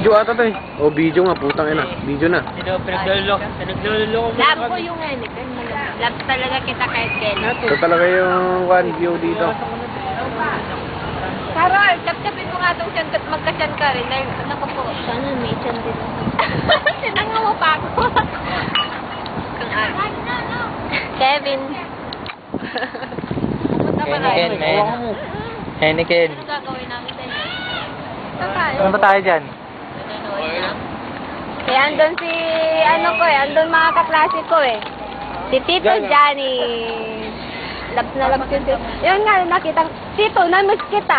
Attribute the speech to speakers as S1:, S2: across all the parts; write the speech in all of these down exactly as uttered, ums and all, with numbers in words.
S1: Video ata to eh. O video nga, putang ina. Video na.
S2: Ito, pinaglulok. Pinaglulok.
S3: Love ko yung Heineken. Love talaga kita kahit kailan.
S1: Ito talaga yung one view dito.
S3: Carol, tap-tapin mo nga itong tiyan at magka-tiyan ka rin. Dahil, naku po. Sana may tiyan din ako. Sinangawa pa ako. Kevin. Pumunta pa tayo.
S2: Heineken, man. Heineken.
S3: Ano gagawin namin tayo? Saan tayo?
S2: Saan ba tayo dyan?
S3: Eh, andun si, ano ko eh, andun mga kaklase ko eh. Si Tito Johnny. Labs na labs yun. Yun nga, nakita, Tito, namiss kita.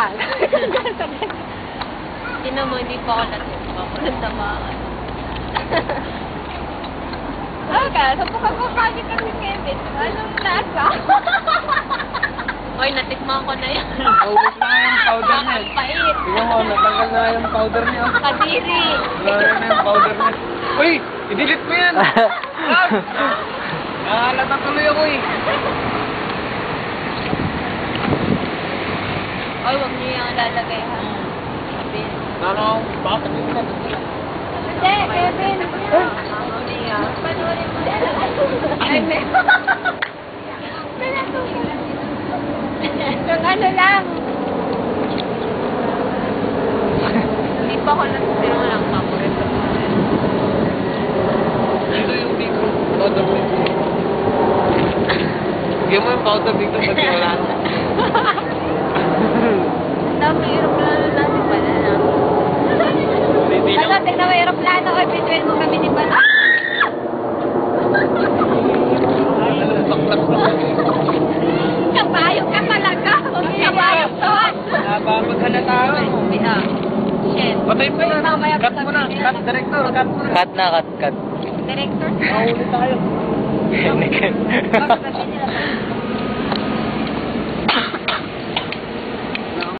S3: Sino mo, hindi pa ako natin sa mga. Okay, so pagkakapagin ka si Kevin, anong lasa? Oy, natikman ko na yan.
S1: Naubos na nga yung powder niya.
S3: Pait.
S1: Tingnan mo, natanggal na yung powder niya.
S3: Kadiri.
S1: Wala na yung powder niya. Uy! I-delete mo yan! Nakalata tuloy ako eh.
S3: Oy, wag niyo yung lalagay ha. Kevin.
S1: Nano, bakit yung na?
S3: Hindi, Kevin. Panoorin mo. Ay, may... Yung ano lang. Hindi pa ako nasisiro lang paborito ko.
S1: Dito yung dito. Powder dito. Bigyan mo yung powder dito pati wala.
S3: Dami aeroplano natin pala na. Ano, tignan mo aeroplano o bituin mo kami ni Pala. Kabayok ka talaga. Kabayok to.
S1: Nababaghalata ako.
S3: Bita. Shit.
S1: Patay mo na. Cut mo na. Cut, director. Cut mo na.
S2: Cut na, cut, cut.
S3: Director.
S1: Mahuli tayo.
S2: Heineken.
S3: Bakit ba nila?